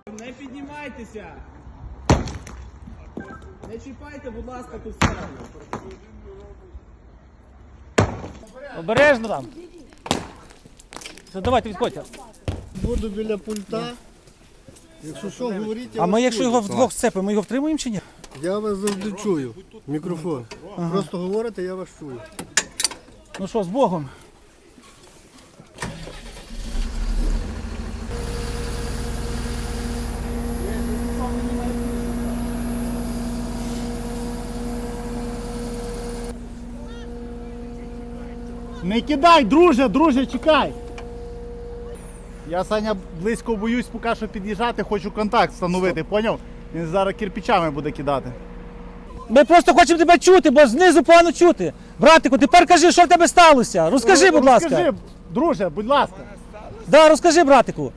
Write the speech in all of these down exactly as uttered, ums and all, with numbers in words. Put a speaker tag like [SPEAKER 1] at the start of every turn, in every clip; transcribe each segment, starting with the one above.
[SPEAKER 1] Не піднімайтеся! Не чіпайте, будь ласка, тут все.
[SPEAKER 2] Обережно там. Все, давайте, відходьте.
[SPEAKER 3] Буду біля пульта. Якщо що, говоріть, я
[SPEAKER 2] А ми,
[SPEAKER 3] вас
[SPEAKER 2] якщо
[SPEAKER 3] чую.
[SPEAKER 2] його вдвох сцепимо, ми його втримуємо чи ні?
[SPEAKER 3] Я вас завжди чую. Мікрофон. Просто говорите, я вас чую.
[SPEAKER 2] Ну що, з Богом.
[SPEAKER 4] Не кидай, друже, друже, чекай. Я, Саня, близько боюсь поки що під'їжджати, хочу контакт встановити, поняв? Він зараз кирпичами буде кидати.
[SPEAKER 2] Ми просто хочемо тебе чути, бо знизу погано чути. Братику, тепер кажи, що в тебе сталося. Розкажи, будь ласка.
[SPEAKER 4] Розкажи, друже, будь ласка.
[SPEAKER 2] Да, розкажи, братику.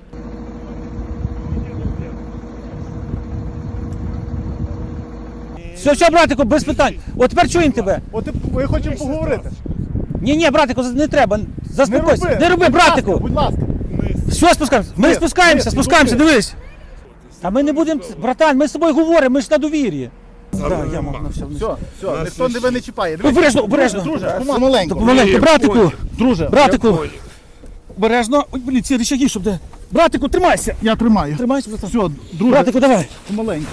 [SPEAKER 2] Все, все, братику, без питань. От тепер чуємо тебе.
[SPEAKER 4] От і- ми хочемо поговорити.
[SPEAKER 2] Ні, ні, братику, не треба. Заспокойся.
[SPEAKER 4] роби,
[SPEAKER 2] Не роби,
[SPEAKER 4] будь ласка,
[SPEAKER 2] братику.
[SPEAKER 4] Будь ласка.
[SPEAKER 2] Все, спускаємося. Ми
[SPEAKER 4] Ні,
[SPEAKER 2] спускаємося,
[SPEAKER 4] ні,
[SPEAKER 2] спускаємося,
[SPEAKER 4] ні.
[SPEAKER 2] дивись. А ми не будемо, братан, ми з тобою говоримо, ми ж на довір'ї. Да, я мав на все.
[SPEAKER 4] Все, все, ніхто тебе не чіпає. Дивись.
[SPEAKER 2] Обережно, обережно.
[SPEAKER 4] Друже, помаленьку.
[SPEAKER 2] Помаленьку, братику.
[SPEAKER 4] Друже,
[SPEAKER 2] Братику. Обережно. Ой, блін, ці рычаги, щоб де. Братику, тримайся.
[SPEAKER 4] я тримаю.
[SPEAKER 2] Тримайся, братан.
[SPEAKER 4] Все, друже,
[SPEAKER 2] Братику, давай.
[SPEAKER 4] помаленьку.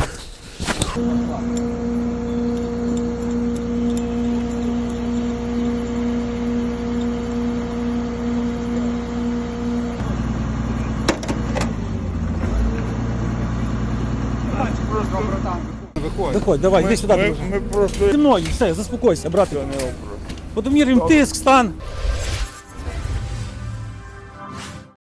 [SPEAKER 2] Виходь, давай, йди сюди.
[SPEAKER 5] Ми,
[SPEAKER 2] друже.
[SPEAKER 5] ми просто
[SPEAKER 2] Зі мною, все, заспокойся, братику. Подомірюємо тиск, стан.